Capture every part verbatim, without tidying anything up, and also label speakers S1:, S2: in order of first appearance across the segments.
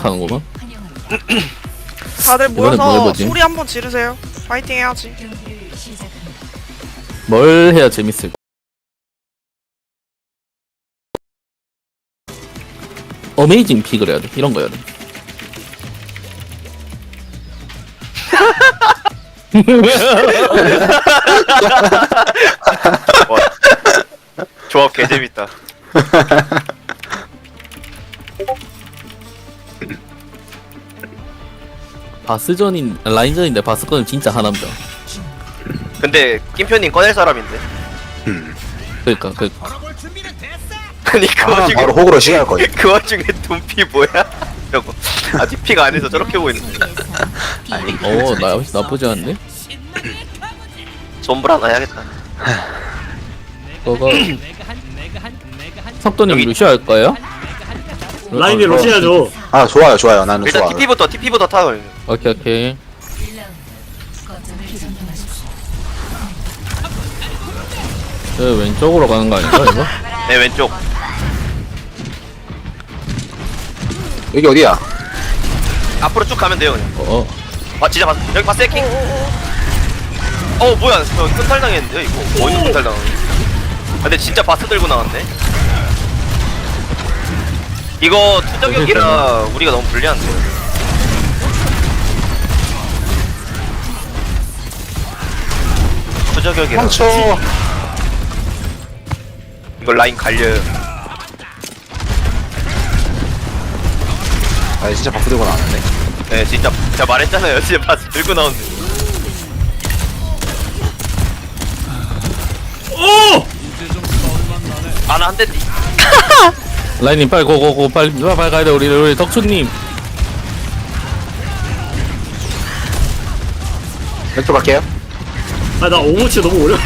S1: 시작하는구만.
S2: 다들
S1: 이번엔 뭐
S2: 모여서
S1: 해보지?
S2: 소리 한번 지르세요. 파이팅 해야지.
S1: 뭘 해야 재밌을까? 어메이징 픽을 해야 돼. 이런 거 해야 돼.
S3: 와, 조합 개재밌다.
S1: 바스전인 라인전인데 바스건은 진짜 하남자.
S3: 근데 김표님 꺼낼 사람인데.
S1: 그러니까 그
S3: 아니 그
S4: 아,
S3: 와중에
S4: 바로 호구로 시작할 거예요.
S3: 그 와중에 돈피 뭐야? 저거 아직 피가 안 해서 저렇게 보이는데. 아니
S1: 어, 나 나쁘지 않네.
S3: 손불 하나 해야겠다.
S1: 너가 석도님
S3: 여기-
S1: 루시 할까요?
S5: 라인이
S1: 어,
S5: 러시아죠.
S4: 아 좋아요 좋아요 나는
S3: 일단
S4: 좋아.
S3: 티피부터 티피부터 타.
S1: 오케이 오케이. 저 왼쪽으로 가는 거 아닌가 이거?
S3: 네 왼쪽.
S4: 여기 어디야?
S3: 앞으로 쭉 가면 돼요 그냥.
S1: 어,
S3: 아 진짜 봤 여기 봤어 해킹? 어 뭐야 저 큰탈 당했는데 이거 어디서 큰탈 당하는 아 근데 진짜 바스 들고 나왔네. 이거 투적격이라 우리가 너무 불리한데. 투적격이라
S4: 멈춰.
S3: 이거 라인 갈려요.
S4: 아 진짜 바쁘 들고 나왔네.
S3: 네 진짜 제가 말했잖아요. 진짜 바스 들고 나온대.
S5: 오!
S3: 아나 한 대디.
S1: 라인님 빨리 고고고 빨리 빨리 가야 돼 우리 우리 덕수님.
S4: 왼쪽 갈게요.
S5: 아, 나 오버워치 너무 어려.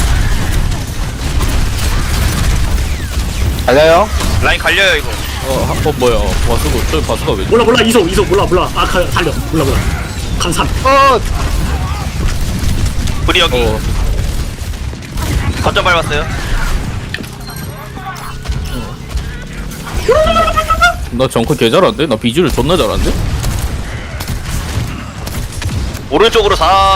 S4: 달려요.
S3: 라인 갈려요 이거.
S1: 어, 하- 어 뭐야? 바스가 저 바스가 왜?
S5: 몰라, 몰라, 이속, 이속, 몰라, 몰라. 아, 가, 달려. 몰라, 몰라. 감삼.
S4: 어.
S3: 우리 여기
S1: 어,
S3: 거점 밟았어요.
S1: 나 정크 개 잘한데? 나 비주를 존나 잘한데?
S3: 오른쪽으로 사.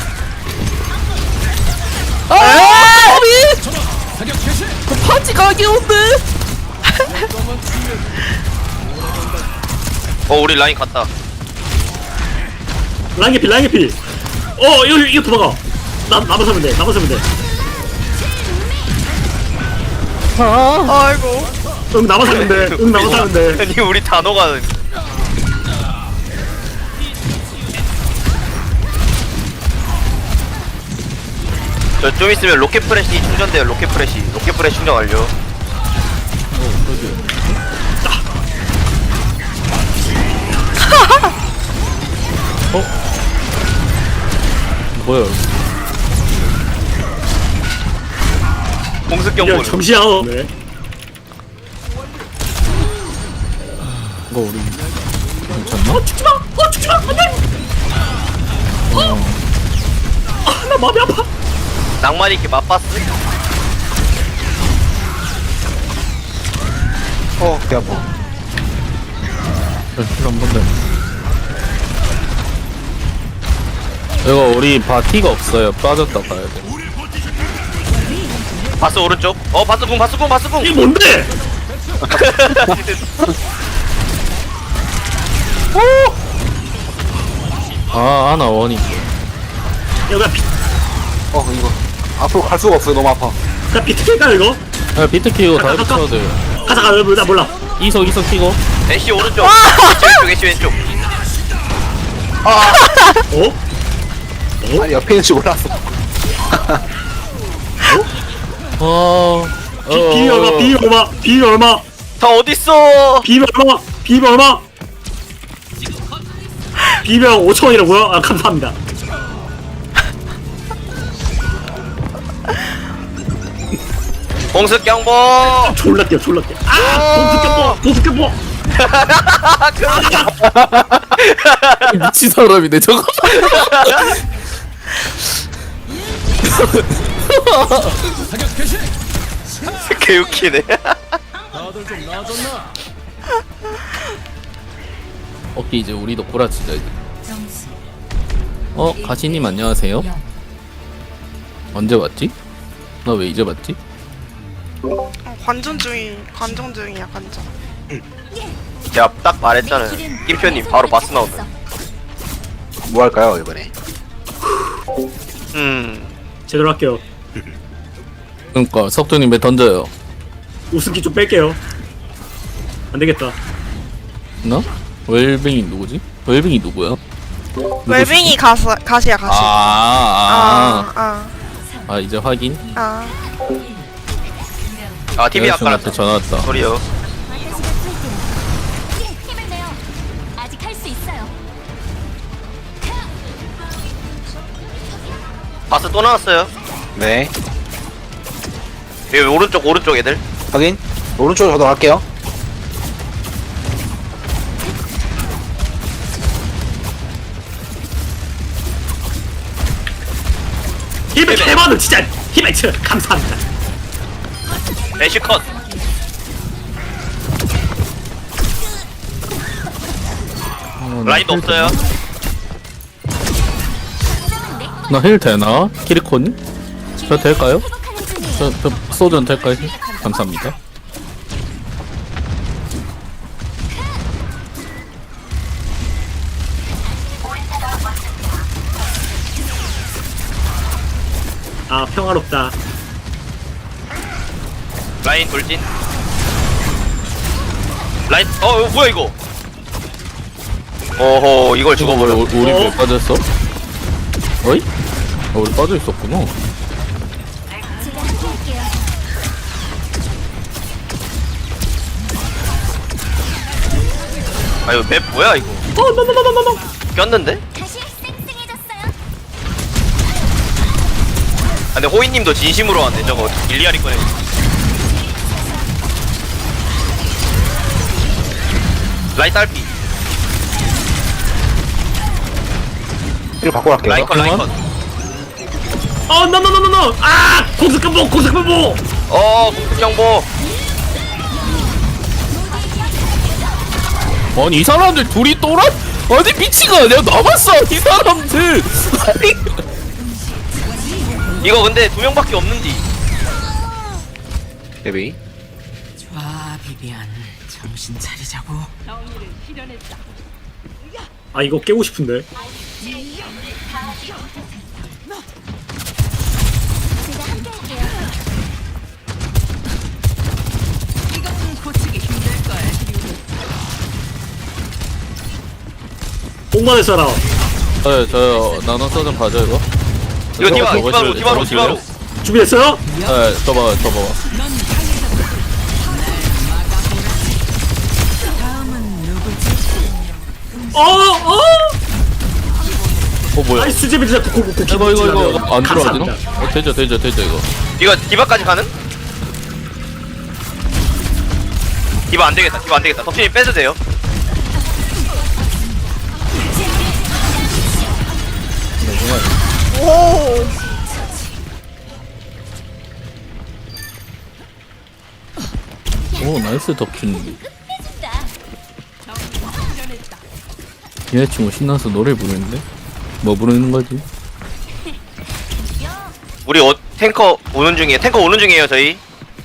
S1: 아! 그 파지 가게온데?
S3: 어 우리 라인 갔다.
S5: 라인 개피, 라인 개피. 어, 이거, 이거 도망가. 나, 나만 사면 돼, 나만 사면 돼.
S2: 아이고.
S5: 응, 나만 사면 돼. 응, 나만 사면 돼.
S3: 아니 우리 단호가 저 좀 있으면 로켓 프레시 충전돼요. 로켓 프레시 로켓 프레시 충전 완료.
S1: 뭐야?
S3: 공습
S5: 야,
S3: 경보.
S5: 정시야. 네.
S1: 이거 우리 괜찮나?
S5: 어, 죽지 마! 어, 죽지 마! 안 돼! 어! 아, 나 마음이 아파.
S3: 낭만 있게 맛봤어.
S4: 어, 배 아파.
S1: 한 번데. 이거 우리 바티가 없어요. 빠졌다 가야 돼.
S3: 바스 오른쪽. 어 바스 궁 바스 궁 바스 궁.
S5: 이게 뭔데?
S1: 아, 아나 원이.
S5: 야, 나 비,
S4: 어 이거 앞으로 갈 수가 없어요. 너무 아파.
S5: 나 비트킬까, 이거?
S1: 야, 비트 키고 다 붙여야 돼.
S5: 가자, 가자, 나 몰라.
S1: 이석 이석 키고.
S3: 애쉬 오른쪽. 애쉬 왼쪽 애쉬 왼쪽.
S5: 어?
S4: 아니 옆에 있는 줄 몰랐어.
S1: 어.
S5: 비, 비비 얼마, 비비 얼마, 비비 얼마,
S3: 다 어딨어?
S5: 비비 얼마, 비비 얼마? 비비랑 오천 원이라고요? 아, 감사합니다.
S3: 공습 경보.
S5: 졸라 뛰어, 졸라 뛰어. 아! 공수 껴보! 공수 껴보!
S1: 미친 사람이네 저거.
S3: 개웃기네.
S1: 오케이 이제 우리도 꼬라치자 이제.
S6: 점수
S1: 어 가시님 안녕하세요.
S6: 영.
S1: 언제 왔지? 나 왜 이제 왔지?
S2: 어, 관전 중이 관전 중이야 관전.
S3: 제가 딱 말했잖아요. 김표님 바로 바스 나오면.
S4: 뭐 할까요 이번에?
S3: 음.
S5: 제대로 할게요.
S1: 그러니까 석준님 왜 던져요?
S5: 우승기 좀 뺄게요. 안 되겠다.
S1: 나? 웰빙이 누구지? 웰빙이 누구야?
S2: 웰빙이 가시 가시야 가시.
S1: 아, 아,
S2: 아, 아,
S1: 아 이제 확인.
S2: 아.
S3: 아 티비 아까
S1: 여자친구한테 전화 왔다.
S3: 소리요.
S6: 힘을 내요. 아직 할 수 있어요.
S3: 바스 또 나왔어요.
S4: 네.
S3: 여기 오른쪽 오른쪽 애들.
S4: 확인. 오른쪽으로 저도 갈게요.
S5: 힘을 개많은 진짜 히메츠 감사합니다.
S3: 애쉬 컷.
S1: 어,
S3: 라인도 없어요.
S1: 나 힐 되나? 키리코님? 저 될까요?
S6: 회복하는 중이에요.
S1: 저, 저 소전 될까요? 힐? 감사합니다.
S5: 아 평화롭다.
S3: 라인 돌진. 라인 어 어, 뭐야 이거? 어허 이걸
S1: 이거 뭐
S3: 죽어버려.
S1: 우리 왜
S5: 어?
S1: 빠졌어? 어이? 어, 우리 빠져 있었구나.
S6: 제가 함께할게요.
S3: 아 이거 맵 뭐야 이거?
S5: 어 노노노노노노.
S3: 꼈는데?
S6: 다시 쌩쌩해졌어요.
S3: 아, 근데 호이님도 진심으로 왔네 저거 일리아리 꺼내. 라인 딸피.
S4: 이거 바꿔 갈게요.
S3: 라인 컷 라인 컷.
S5: 어 노노노노노. 아 공습감보 공습감보.
S3: 어 공격 경보.
S1: 아니 이 사람들 둘이 또라? 아니 미친 거 아니야? 남았어 이 사람들. 아니
S3: 이거 근데 두 명밖에 없는지.
S4: 데뷔.
S7: 좋아, 비비안. 정신 차리자고.
S5: 아 이거 깨고 싶은데.
S6: 제가 함께할게요.
S7: 고치기 힘들 걸.
S5: 뽕만을 써라.
S1: 저요 저요 나눠 소전 봐줘 이거.
S3: 이거 디바
S1: 저거
S3: 디바로
S1: 먹으실래요?
S3: 디바로 디바로.
S1: 먹으실래요?
S5: 준비됐어요?
S1: 네, 저 봐봐 저 봐봐.
S5: 어 어.
S1: 어 뭐야?
S5: 아이 수제비 진짜 고고고.
S1: 이거 이거 이거 이거 안 들어가지나? 어 되죠 되죠 되죠 이거.
S3: 이거 디바까지 가는? 디바 안 되겠다. 디바 안 되겠다. 덕진이 빼도 돼요.
S2: 오.
S1: 오 나이스 덕춘.
S6: 해준다.
S1: 여자친구 신나서 노래 부르는데? 뭐 부르는 거지?
S3: 우리 어, 탱커 오는 중이에요. 탱커 오는 중이에요 저희.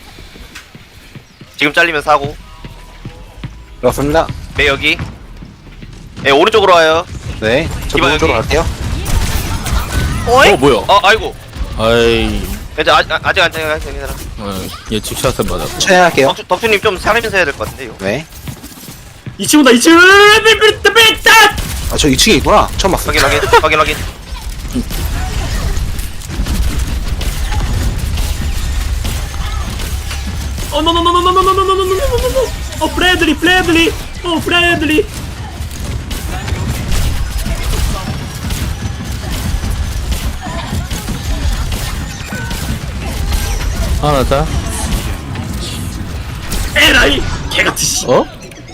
S3: 지금 잘리면 사고.
S4: 그렇습니다.
S3: 네 여기. 네 오른쪽으로 와요.
S4: 네. 저
S3: 이봐,
S4: 오른쪽으로
S3: 여기.
S4: 갈게요.
S2: 어이?
S1: 어 뭐야?
S3: 어 아이고.
S1: 아이
S3: 이제 아, 아, 아직 안 잘려 괜찮아.
S1: 어, 예측샷을 맞았고.
S4: 천천히 할게요.
S3: 덕주, 덕주님 좀 살리면서 해야 될 것 같은데요.
S4: 네.
S5: 이 친구다 이 친구. 삐삐삐삐.
S4: 아 저 이 층에 있구나. 처음 봤어.
S3: 확인 확인 확인 확인.
S5: 어 노노노노노노노노노노노노노. 어 프레들리 프레들리. 어 프레들리.
S1: 하나 자.
S5: 에라이 개같은 씨.
S1: 어?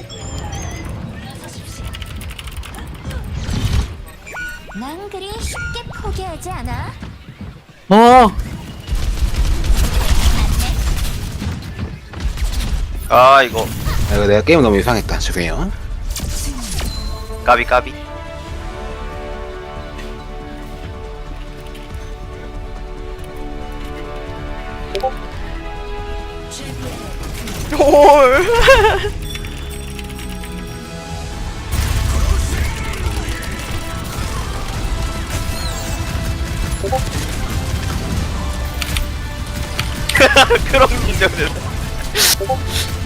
S6: 난 그리 쉽게 포기하지 않아.
S1: 아
S3: 아 이거
S4: 아, 이거 내가 게임 너무 이상했다. 죄송해요.
S3: 까비 까비.
S2: 올.
S3: 그런 기절을.